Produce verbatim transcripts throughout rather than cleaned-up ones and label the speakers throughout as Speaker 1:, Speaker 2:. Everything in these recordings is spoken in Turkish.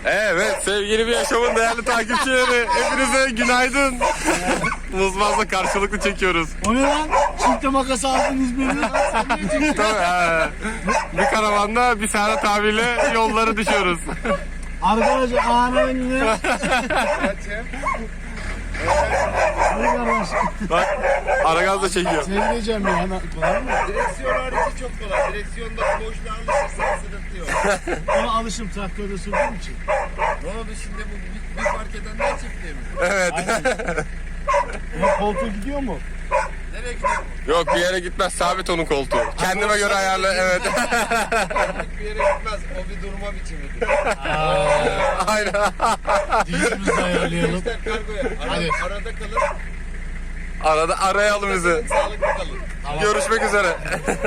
Speaker 1: Evet sevgili bir yaşamın değerli takipçileri, hepinize günaydın. Muzmaz'la karşılıklı çekiyoruz.
Speaker 2: O ne lan? Çifte makas aldınız beni lan. Sen ne çekiyorsun?
Speaker 1: Tabii, he. Bir karavanda bir Serhat abiyle yolları düşüyoruz.
Speaker 2: Arkadaşlar ağanın ne?
Speaker 1: Bak Aragaz da çekiyor.
Speaker 2: Seni diyeceğim ya. Kolay mı?
Speaker 3: Direksiyon harici çok kolay. Direksiyonda boşluğa alışırsan sıkıntı yok.
Speaker 2: Ona alışım traktörde sürdüğüm için.
Speaker 3: Ne oldu şimdi bu bir, bir fark edenler çiftliği mi?
Speaker 1: Evet.
Speaker 2: Ama koltuğu gidiyor mu?
Speaker 3: Nereye gidiyor bu?
Speaker 1: Yok bir yere gitmez, sabit onun koltuğu. Kendime göre ayarla, evet.
Speaker 3: Bir yere gitmez. O bir durma biçimidir.
Speaker 1: Aynen.
Speaker 2: Dizimizi de ayarlayalım.
Speaker 3: İster kargoya. Ara,
Speaker 2: Hadi.
Speaker 3: arada kalır.
Speaker 1: Arada arayalım bizi.
Speaker 3: Sağlıklı kalır.
Speaker 1: Görüşmek üzere.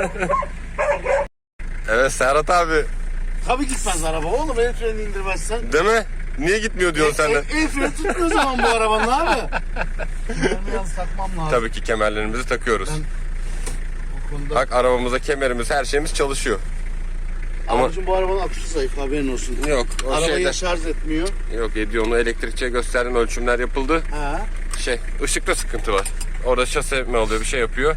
Speaker 1: Evet Serhat abi.
Speaker 2: Tabii gitmez araba oğlum. El freni indirmezsen.
Speaker 1: Değil mi? Niye gitmiyor diyorsun sen de?
Speaker 2: El, el freni tutmuyor zaman bu arabanın abi. Kemerimi yalnız takmam lazım.
Speaker 1: Tabii ki kemerlerimizi takıyoruz.
Speaker 2: Ben- O konuda.
Speaker 1: Bak arabamıza kemerimiz, her şeyimiz çalışıyor. Ama
Speaker 2: Abicim bu arabanın aküsü zayıf, haberin olsun.
Speaker 1: yok o
Speaker 2: Arabayı
Speaker 1: şeyde.
Speaker 2: şarj etmiyor.
Speaker 1: Yok ediyor, onu elektrikçiye gösterdim, ölçümler yapıldı.
Speaker 2: Ha.
Speaker 1: Şey, ışıkta sıkıntı var. Orada şase mi oluyor, bir şey yapıyor.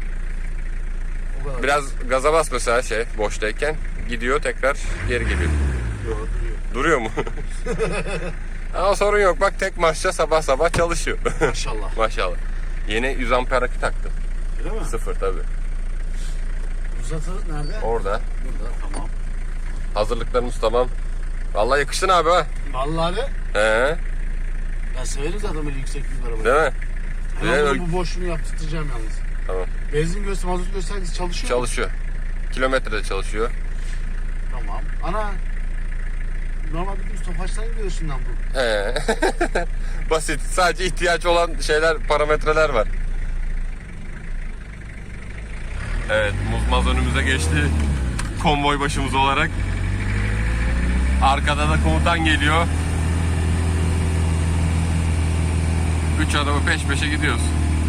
Speaker 2: O kadar.
Speaker 1: Biraz gaza bas mesela şey boştayken gidiyor, tekrar geri geliyor.
Speaker 2: Duruyor.
Speaker 1: Duruyor mu? Ama sorun yok, bak tek marşla sabah sabah çalışıyor.
Speaker 2: Maşallah.
Speaker 1: Maşallah. Yeni yüz amper akü taktım.
Speaker 2: Öyle mi?
Speaker 1: Sıfır tabi.
Speaker 2: Uzatı nerede?
Speaker 1: Orada.
Speaker 2: Burada, tamam.
Speaker 1: Hazırlıklarımız tamam. Vallahi yakıştın abi ha.
Speaker 2: Vallahi de
Speaker 1: He,
Speaker 2: ben severim zaten böyle yüksek bir arabayı.
Speaker 1: değil mi?
Speaker 2: Ama
Speaker 1: Ve
Speaker 2: bunu
Speaker 1: öl-
Speaker 2: bu boşluğunu yaptıracağım yalnız.
Speaker 1: Tamam.
Speaker 2: Benzin göstergesi, mazot göstergesi çalışıyor mu?
Speaker 1: Çalışıyor. Kilometrede çalışıyor.
Speaker 2: Tamam. Ana normal bildiğimiz Tofaş'tan gidiyorsun lan bu.
Speaker 1: He. Basit. Sadece ihtiyaç olan şeyler, parametreler var. Evet, Muzmaz önümüze geçti. Konvoy başımız olarak. Arkada da komutan geliyor. Üç araba peş peşe gidiyoruz.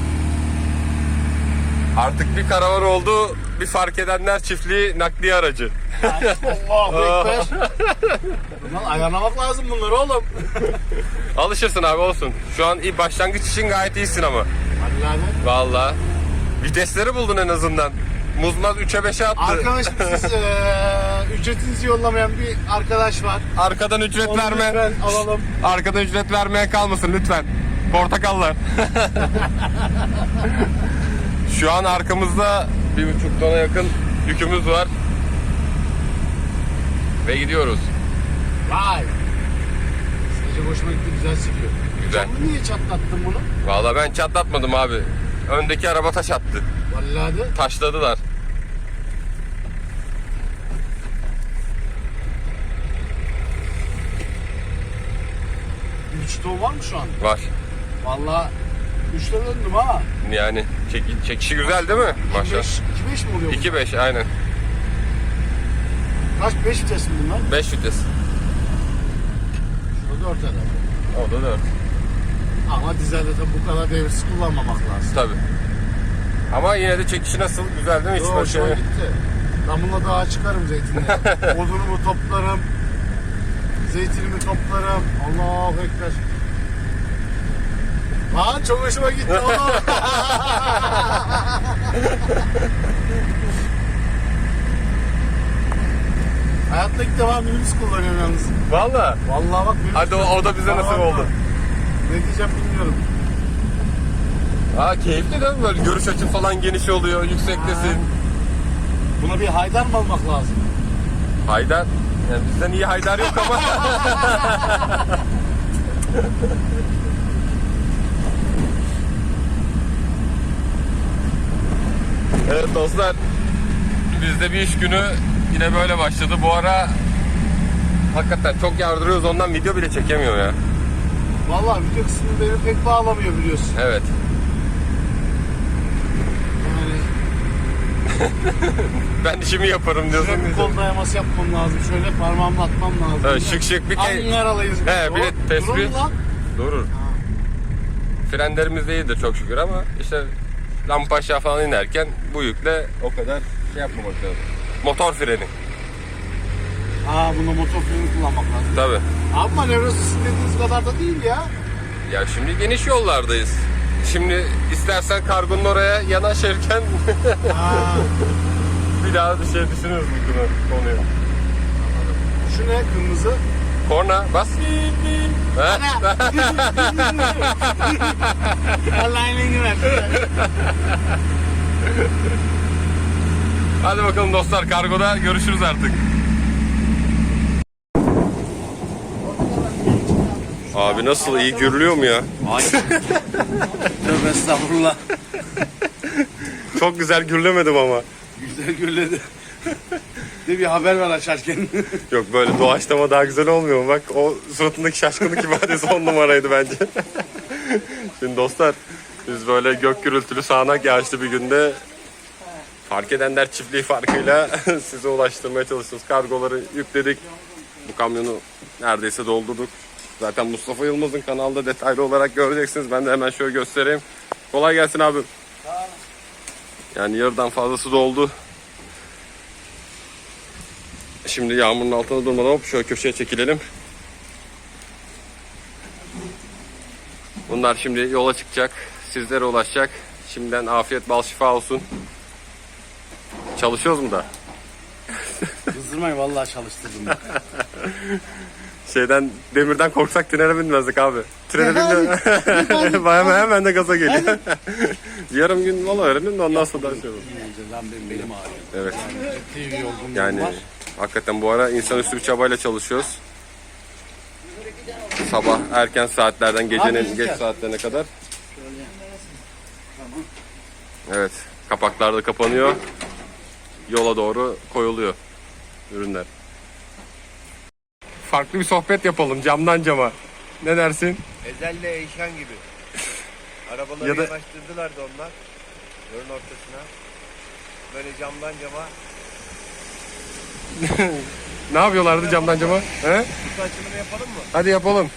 Speaker 1: Artık bir karavan oldu. Bir fark edenler çiftliği nakliye aracı.
Speaker 2: Allahu Ekber. Bundan ayarlamak lazım bunları oğlum.
Speaker 1: Alışırsın abi, olsun. Şu an iyi, başlangıç için gayet iyisin ama.
Speaker 2: Hadi lan.
Speaker 1: Vallahi. Vitesleri buldun en azından. Muzmaz üçe beşe attı.
Speaker 2: Arkadaşım siz eee ücretinizi yollamayan bir arkadaş var.
Speaker 1: Arkadan ücret
Speaker 2: Onu
Speaker 1: verme.
Speaker 2: lütfen alalım.
Speaker 1: Arkadan ücret vermeye kalmasın lütfen. Portakallar. Şu an arkamızda bir buçuk tona yakın yükümüz var. Ve gidiyoruz.
Speaker 2: Vay. Sadece hoşuma gitti, güzel sıkıyor.
Speaker 1: Güzel.
Speaker 2: Camını niye çatlattın bunu?
Speaker 1: Vallahi ben çatlatmadım abi. Öndeki araba taş attı.
Speaker 2: Vallahi de.
Speaker 1: Taşladılar.
Speaker 2: Üç ton var mı şu an?
Speaker 1: Var.
Speaker 2: Vallahi üçte döndüm ha.
Speaker 1: Yani çek, çekişi güzel değil mi? Maşallah.
Speaker 2: iki beş mi oluyor bu?
Speaker 1: iki beş aynen.
Speaker 2: Kaç? beş vites mi bunlar?
Speaker 1: beş vites.
Speaker 2: Şurada dört herhalde.
Speaker 1: O da dört.
Speaker 2: Ama dizelde tabi bu kadar devirsiz kullanmamak lazım.
Speaker 1: Tabii. Ama yine de çekişi nasıl? Güzel değil mi? Hiç
Speaker 2: Yo,
Speaker 1: böyle
Speaker 2: hoşuma
Speaker 1: şey-
Speaker 2: gitti. Ben bununla dağa çıkarım zeytinle. Odunumu toplarım. Zeytinimi toplarım. Allahu Ekber. Lan çok hoşuma gitti oğlum. Hayatta ilk defa minibüs kullanıyorum yalnız.
Speaker 1: Valla.
Speaker 2: Vallahi bak minibüs.
Speaker 1: Hadi o, o da bize nasip
Speaker 2: Tamam
Speaker 1: oldu.
Speaker 2: mı? Ne diyeceğim bilmiyorum.
Speaker 1: Aa keyifli değil mi? Böyle görüş açın falan geniş oluyor, yüksektesin.
Speaker 2: Buna bir haydar mı almak lazım?
Speaker 1: Haydar. Yani bizden iyi Haydar yok ama. Evet dostlar. Bizde bir iş günü yine böyle başladı. Bu ara hakikaten çok yardırıyoruz, ondan video bile çekemiyor ya.
Speaker 2: Vallahi video kısmı beni pek bağlamıyor biliyorsun.
Speaker 1: Evet.
Speaker 2: Yani
Speaker 1: Ben işimi yaparım diyorsun.
Speaker 2: şöyle bir kol dayaması yapmam lazım. Şöyle parmağımla atmam lazım.
Speaker 1: Evet, şık şık bir key.
Speaker 2: Ankaralıyız.
Speaker 1: He, bir de
Speaker 2: Dur-
Speaker 1: tespih.
Speaker 2: durun lan.
Speaker 1: Durur. Frenlerimiz de iyidir çok şükür ama işte lampa aşağı falan inerken bu yükle o kadar şey yapmamak lazım. Motor freni.
Speaker 2: Aa, bunda motor freni kullanmak lazım.
Speaker 1: Tabii.
Speaker 2: Abi manevrası sizin dediğiniz kadar da değil ya.
Speaker 1: Ya şimdi geniş yollardayız. Şimdi istersen kargonun oraya yanaşırken
Speaker 2: Ha.
Speaker 1: bir daha bir şey düşünürüz bu konu- konuyu.
Speaker 2: Şu ne kırmızı?
Speaker 1: Korna bas. He?
Speaker 2: Allah'ın engin
Speaker 1: Hadi bakalım dostlar, kargoda görüşürüz artık. Abi nasıl, iyi gürlüyor mu ya?
Speaker 3: Tövbe estağfurullah.
Speaker 1: Çok güzel gürlemedim ama.
Speaker 3: Güzel gürledi. De bir haber ver açarken.
Speaker 1: Yok, böyle doğaçlama daha güzel olmuyor mu? Bak o suratındaki şaşkınlık ifadesi on numaraydı bence. Şimdi dostlar, biz böyle gök gürültülü sağanak yağışlı bir günde Fark Edenler çiftliği farkıyla size ulaştırmaya çalışıyoruz. Kargoları yükledik. Bu kamyonu neredeyse doldurduk. Zaten Mustafa Yılmaz'ın kanalda detaylı olarak göreceksiniz. Ben de hemen şöyle göstereyim. Kolay gelsin abi. Yani yarıdan fazlası doldu. Şimdi yağmurun altında durmadan hop şöyle köşeye çekilelim. Bunlar şimdi yola çıkacak. Sizlere ulaşacak. Şimdiden afiyet bal şifa olsun. Çalışıyoruz mu da?
Speaker 3: Kızdırmayın vallahi çalıştırdım.
Speaker 1: Şeyden, demirden korksak trene binmezdik abi. Trene binme. hemen, hemen de gaza geliyor. Yarım gün mola öğrenin de ondan sonra da şey olur.
Speaker 3: Lan benim belim ağrıyor.
Speaker 1: Evet.
Speaker 3: Ciddi bir yorgunluğum
Speaker 1: Yani
Speaker 3: var.
Speaker 1: hakikaten bu ara insanüstü bir çabayla çalışıyoruz. Sabah erken saatlerden gecenin geç saatlerine kadar. Evet. Kapaklar da kapanıyor. Yola doğru koyuluyor ürünler. Farklı bir sohbet yapalım camdan cama. Ne dersin?
Speaker 3: Ezel'le Eyşan gibi. Arabaları
Speaker 1: Ya da-
Speaker 3: yanaştırdılar da onlar. Yolun ortasına. Böyle camdan cama.
Speaker 1: Ne yapıyorlardı camdan cama? He?
Speaker 3: Kutu açılımı yapalım mı?
Speaker 1: Hadi yapalım.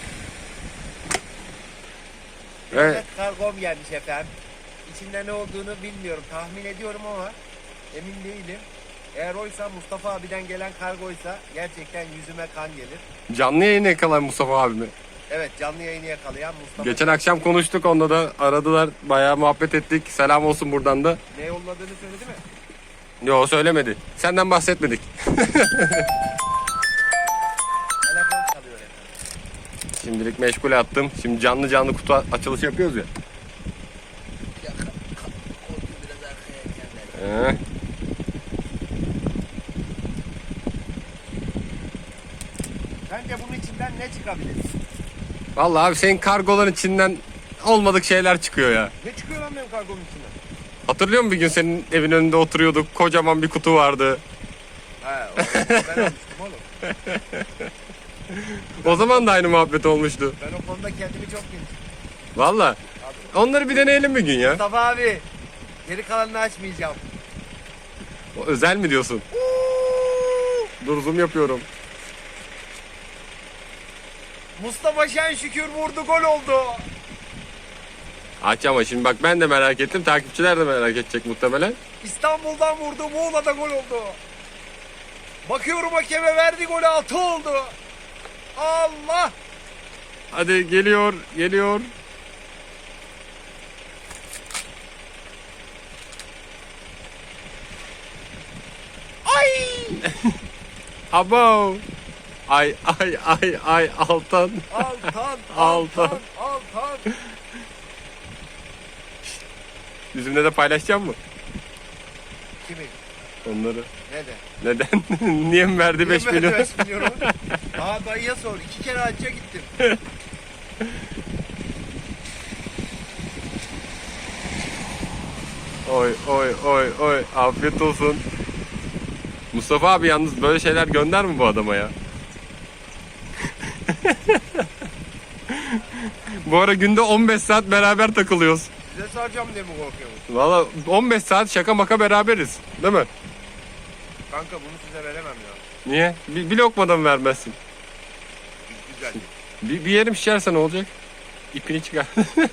Speaker 1: Evet.
Speaker 3: Evet. Kargom gelmiş efendim. İçinde ne olduğunu bilmiyorum. Tahmin ediyorum ama emin değilim. Eğer oysa, Mustafa abiden gelen kargoysa gerçekten yüzüme kan gelir.
Speaker 1: Canlı yayını yakalayan Mustafa abimi.
Speaker 3: Evet, canlı yayını yakalayan Mustafa.
Speaker 1: Geçen akşam konuştuk, onunla da aradılar. Bayağı muhabbet ettik. Selam olsun buradan da.
Speaker 3: Ne yolladığını söyledi mi?
Speaker 1: Yo, söylemedi. Senden bahsetmedik.
Speaker 3: Telefon çalıyor efendim.
Speaker 1: Şimdilik meşgule attım. Şimdi canlı canlı kutu açılışı yapıyoruz ya.
Speaker 3: Koltuğu biraz arkaya
Speaker 1: Ee,
Speaker 3: kendileri. Bence bunun içinden ne çıkabilir?
Speaker 1: Vallahi abi, senin kargoların içinden olmadık şeyler çıkıyor ya.
Speaker 3: Ne çıkıyor lan benim kargomun içinden?
Speaker 1: Hatırlıyor musun bir gün senin evin önünde oturuyorduk. Kocaman bir kutu vardı.
Speaker 3: He, o- ben almıştım oğlum.
Speaker 1: O zaman da aynı muhabbet olmuştu.
Speaker 3: Ben o konuda kendimi çok geniş.
Speaker 1: Vallahi. Onları bir deneyelim bir gün ya.
Speaker 3: Mustafa abi, geri kalanını açmayacağım.
Speaker 1: O özel mi diyorsun? Dur, zoom yapıyorum.
Speaker 3: Mustafa Şen şükür vurdu, gol oldu.
Speaker 1: Aç ama şimdi bak, ben de merak ettim. Takipçiler de merak edecek muhtemelen.
Speaker 3: İstanbul'dan vurdu, Muğla'da gol oldu. Bakıyorum hakeme, verdi golü, altı oldu. Allah!
Speaker 1: Hadi geliyor, geliyor.
Speaker 3: Ay!
Speaker 1: Abo. Ay ay ay ay Altan.
Speaker 3: Altan,
Speaker 1: Altan.
Speaker 3: Altan, Altan.
Speaker 1: Bizimle de paylaşacak mı
Speaker 3: Kimi?
Speaker 1: onları?
Speaker 3: Ne de?
Speaker 1: Neden? Niye mi verdi beş
Speaker 3: Niye
Speaker 1: milyon?
Speaker 3: beş milyonu? Aa, dayıya sor. İki kere hacca gittim.
Speaker 1: Oy oy oy oy, afiyet olsun. Mustafa abi yalnız böyle şeyler gönder mi bu adama ya? Bu ara günde on beş saat beraber takılıyoruz.
Speaker 3: Size saracağım diye mi korkuyorsunuz?
Speaker 1: Valla on beş saat şaka maka beraberiz. Değil mi?
Speaker 3: Kanka bunu size veremem ya.
Speaker 1: Niye? Bir, bir lokmadan mı vermezsin?
Speaker 3: Güzel.
Speaker 1: Bir, bir yerim şişerse ne olacak? İpini çıkar.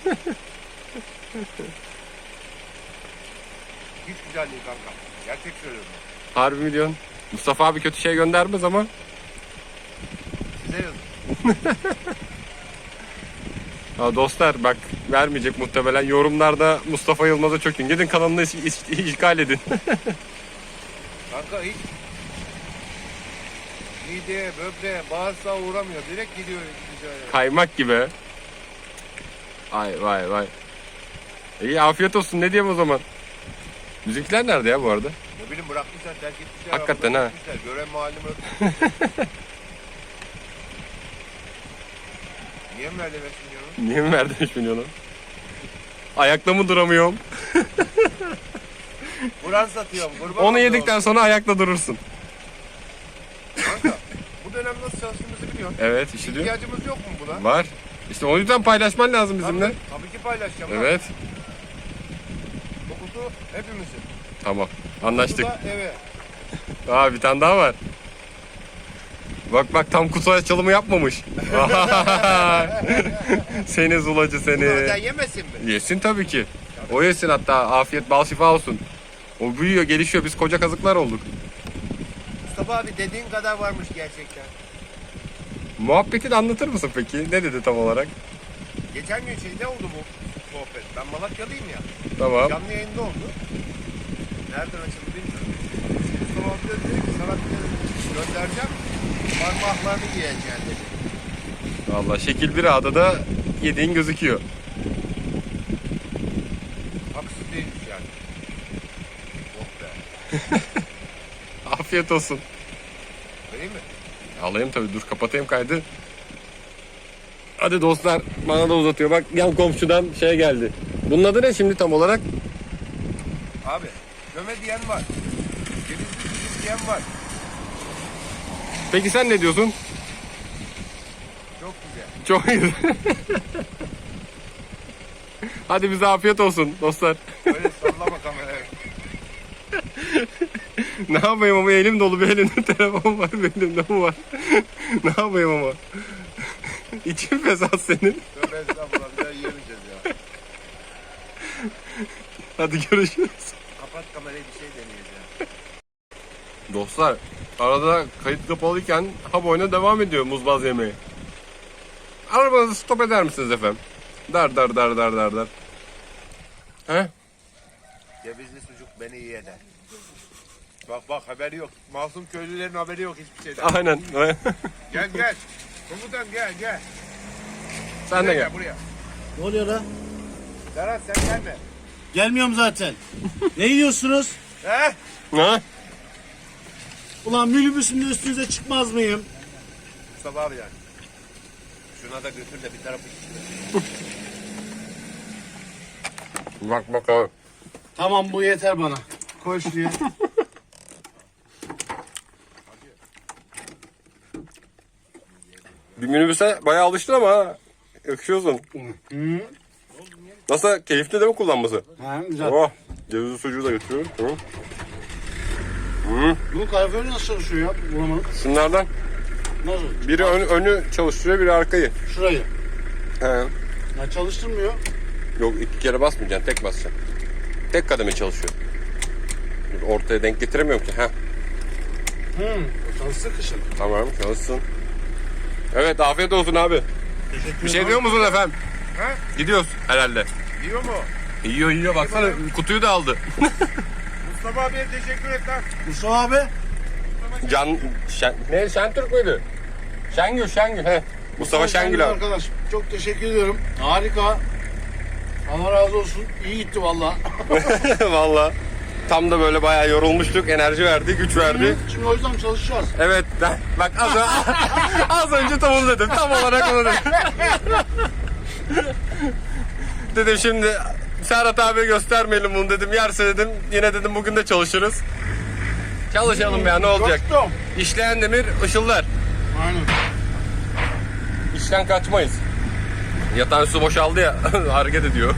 Speaker 3: Hiç güzel değil kanka. Gerçek söylüyorum.
Speaker 1: Harbi mi diyorsun? Mustafa abi kötü şey göndermez ama.
Speaker 3: Size yazın.
Speaker 1: Ha, dostlar bak vermeyecek muhtemelen. Yorumlarda Mustafa Yılmaz'a çökün. Gidin kanalını iş- iş- işgal edin.
Speaker 3: Kanka hiç mideye, böbreğe, bağırsağa uğramıyor. Direkt gidiyor. gidiyor.
Speaker 1: Kaymak gibi. Vay vay vay. İyi afiyet olsun ne diyeyim o zaman. Müzikler nerede ya bu arada?
Speaker 3: Ne bileyim bırakmışlar, terk etmişler.
Speaker 1: Hakikaten
Speaker 3: arabada
Speaker 1: ha.
Speaker 3: gitmişler. Gören mahallimi öpmüşler. Niye mi verdi beş milyonu?
Speaker 1: Niye mi verdin üç milyonu? Ayakta mı duramıyorum?
Speaker 3: Kur'an satıyorum. Kurban
Speaker 1: Onu
Speaker 3: olduğum.
Speaker 1: yedikten sonra ayakta durursun.
Speaker 3: Kanka bu dönem nasıl çalıştığımızı biliyorsun.
Speaker 1: Evet işte diyor.
Speaker 3: İhtiyacımız yok mu buna?
Speaker 1: Var. İşte o yüzden paylaşman lazım bizimle.
Speaker 3: Tabii, tabii ki paylaşacağım. lan.
Speaker 1: Evet.
Speaker 3: Bu kutu hepimizin.
Speaker 1: Tamam.
Speaker 3: Bu
Speaker 1: Anlaştık.
Speaker 3: da eve.
Speaker 1: Aa bir tane daha var. Bak bak tam kutu açılımı yapmamış. Seni zulacı
Speaker 3: Bunu öden
Speaker 1: seni.
Speaker 3: yemesin mi?
Speaker 1: Yesin tabii ki. O yesin hatta afiyet bal şifa olsun. O büyüyor gelişiyor biz koca kazıklar olduk.
Speaker 3: Mustafa abi dediğin kadar varmış gerçekten.
Speaker 1: Muhabbeti de anlatır mısın peki? Ne dedi tam olarak?
Speaker 3: Geçen gün şeyde oldu bu sohbet. Ben Malatyalıyım ya.
Speaker 1: Tamam.
Speaker 3: Canlı yayında oldu. Nereden açıldı bilmiyorum. Mustafa abi dedi ki sana bir de göndereceğim. Parmaklarını yiyeceksin dedi.
Speaker 1: Vallahi şekil bir ağda da yediğin gözüküyor.
Speaker 3: Haksız değilmiş yani. Oh be.
Speaker 1: Afiyet olsun.
Speaker 3: Vereyim mi?
Speaker 1: Alayım tabii dur kapatayım kaydı. Hadi dostlar bana da uzatıyor. Bak yan komşudan şey geldi. Bunun adı ne şimdi tam olarak?
Speaker 3: Abi göme diyen var. Cevizli sucuk diyen var.
Speaker 1: Peki sen ne diyorsun?
Speaker 3: Çok güzel.
Speaker 1: Çok iyi. Hadi bize afiyet olsun dostlar.
Speaker 3: Böyle sallama kamerayı.
Speaker 1: Ne yapayım ama elim dolu bir elimde telefon var bir elimde bu var. Ne yapayım ama. İçin fesat senin.
Speaker 3: Tövbe estağfurullah bir daha yiyemeyeceğiz ya.
Speaker 1: Hadi görüşürüz.
Speaker 3: Kapat kamerayı bir şey deneyeceğiz ya.
Speaker 1: Dostlar arada kayıt kapalıyken hap oyuna devam ediyor muzbaz yemeği. Arabanızı stop eder misiniz efendim? Dar dar dar dar dar dar. He?
Speaker 3: Cevizli sucuk beni iyi eder. Bak bak haberi yok. Masum köylülerin haberi yok hiçbir şeyden.
Speaker 1: Aynen.
Speaker 3: Gel gel. Komutan gel gel.
Speaker 1: Sen de
Speaker 3: Buraya
Speaker 1: gel.
Speaker 3: buraya.
Speaker 2: Ne oluyor lan?
Speaker 3: Serhat sen gelme.
Speaker 2: Gelmiyorum zaten. Ne yiyorsunuz?
Speaker 3: He?
Speaker 1: Ha?
Speaker 2: Ulan minibüsümde üstünüze çıkmaz mıyım?
Speaker 3: Mustafa abi yani. Şuna da götür de bir tarafı şiştir.
Speaker 1: Bak bak abi.
Speaker 2: Tamam bu yeter bana. Koy şuraya.
Speaker 1: Bir minibüse bayağı alıştın ama ha. Yakışıyorsun.
Speaker 2: Hı.
Speaker 1: Nasıl? Keyifli değil mi kullanması?
Speaker 2: Ha, güzel.
Speaker 1: Oh. Cevizli sucuğu da götürüyorum. Tamam.
Speaker 2: Bunun kaloriferi nasıl çalışıyor ya? Bulamadım.
Speaker 1: Şunlardan
Speaker 2: Nasıl?
Speaker 1: biri ön- önü çalıştırıyor biri arkayı.
Speaker 2: Şurayı.
Speaker 1: He.
Speaker 2: Ya çalıştırmıyor.
Speaker 1: Yok iki kere basmayacaksın tek basacaksın. Tek kademe çalışıyor. Dur, ortaya denk getiremiyorum ki. Heh.
Speaker 2: Hı. O çalıştı kışın.
Speaker 1: Tamam çalışsın. Evet afiyet olsun abi.
Speaker 2: Teşekkür
Speaker 1: Bir şey diyor musun efendim?
Speaker 3: Ha?
Speaker 1: Gidiyoruz herhalde.
Speaker 3: Yiyor mu?
Speaker 1: Yiyor yiyor baksana kutuyu da aldı.
Speaker 3: Mustafa abiye teşekkür et lan.
Speaker 2: Mustafa abi.
Speaker 1: Can Şen, ne Şentürk müydü? Şengül Şengül he. Mustafa Şengül abi.
Speaker 2: Arkadaş çok teşekkür ediyorum. Harika. Allah razı olsun. İyi gitti valla.
Speaker 1: Valla. Tam da böyle bayağı yorulmuştuk. Enerji verdi, güç verdi.
Speaker 2: Şimdi o yüzden çalışacağız.
Speaker 1: Evet. ben- Bak az, ö- az önce tam onu dedim. Tam olarak onu dedim. Dedim şimdi Serhat abiye göstermeyelim bunu dedim. Yerse dedim yine dedim bugün de çalışırız. Çalışalım ya ne olacak?
Speaker 2: Dostum.
Speaker 1: İşleyen demir ışıldar.
Speaker 2: Aynen.
Speaker 1: İşten kaçmayız. Yatağın su boşaldı ya hareket ediyor.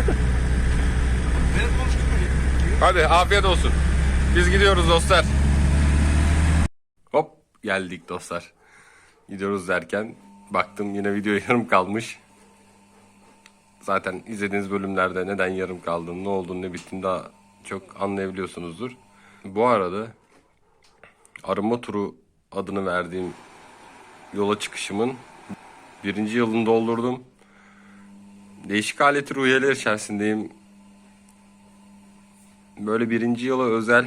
Speaker 2: Benim konuştum mu?
Speaker 1: Hadi afiyet olsun. Biz gidiyoruz dostlar. Hop geldik dostlar. Gidiyoruz derken baktım yine video yarım kalmış. Zaten izlediğiniz bölümlerde neden yarım kaldığını, ne olduğunu, ne bittiğini daha çok anlayabiliyorsunuzdur. Bu arada arınma turu adını verdiğim yola çıkışımın Birinci yılını doldurdum. Değişik aleti ruhiyeler içerisindeyim. Böyle birinci yıla özel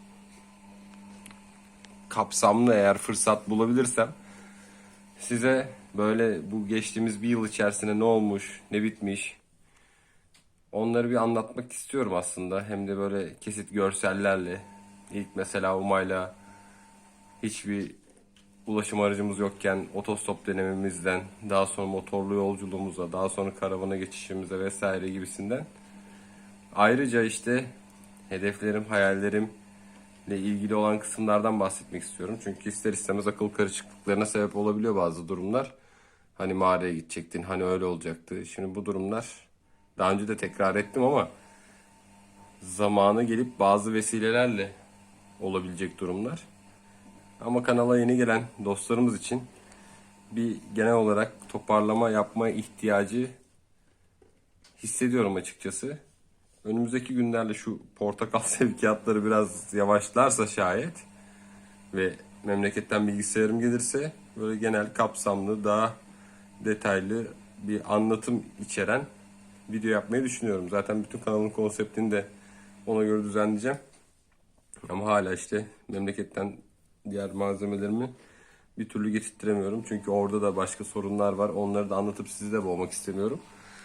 Speaker 1: kapsamlı eğer fırsat bulabilirsem size böyle bu geçtiğimiz bir yıl içerisinde ne olmuş, ne bitmiş onları bir anlatmak istiyorum aslında. Hem de böyle kesit görsellerle. İlk mesela Umay'la hiçbir ulaşım aracımız yokken otostop denememizden, daha sonra motorlu yolculuğumuza, daha sonra karavana geçişimize vesaire gibisinden. Ayrıca işte hedeflerim, hayallerimle ilgili olan kısımlardan bahsetmek istiyorum. Çünkü ister istemez akıl karışıklıklarına sebep olabiliyor bazı durumlar. Hani mağaraya gidecektin, hani öyle olacaktı. Şimdi bu durumlar daha önce de tekrar ettim ama zamanı gelip bazı vesilelerle olabilecek durumlar. Ama kanala yeni gelen dostlarımız için bir genel olarak toparlama yapma ihtiyacı hissediyorum açıkçası. Önümüzdeki günlerde şu portakal sevkiyatları biraz yavaşlarsa şayet ve memleketten bilgisayarım gelirse böyle genel kapsamlı daha detaylı bir anlatım içeren video yapmayı düşünüyorum. Zaten bütün kanalın konseptini de ona göre düzenleyeceğim. Ama hala işte memleketten diğer malzemelerimi bir türlü getirtiremiyorum. Çünkü orada da başka sorunlar var. Onları da anlatıp sizi de boğmak istemiyorum.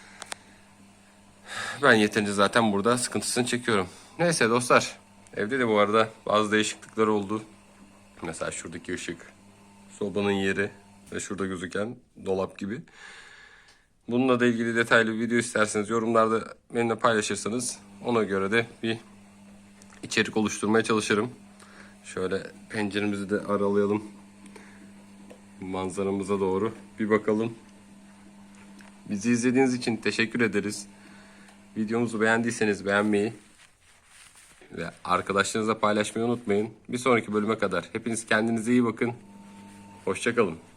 Speaker 1: Ben yeterince zaten burada sıkıntısını çekiyorum. Neyse dostlar. Evde de bu arada bazı değişiklikler oldu. Mesela şuradaki ışık, sobanın yeri ve şurada gözüken dolap gibi. Bununla da ilgili detaylı bir video isterseniz yorumlarda benimle paylaşırsanız ona göre de bir içerik oluşturmaya çalışırım. Şöyle penceremizi de aralayalım. Manzaramıza doğru bir bakalım. Bizi izlediğiniz için teşekkür ederiz. Videomuzu beğendiyseniz beğenmeyi ve arkadaşlarınızla paylaşmayı unutmayın. Bir sonraki bölüme kadar hepiniz kendinize iyi bakın. Hoşça kalın.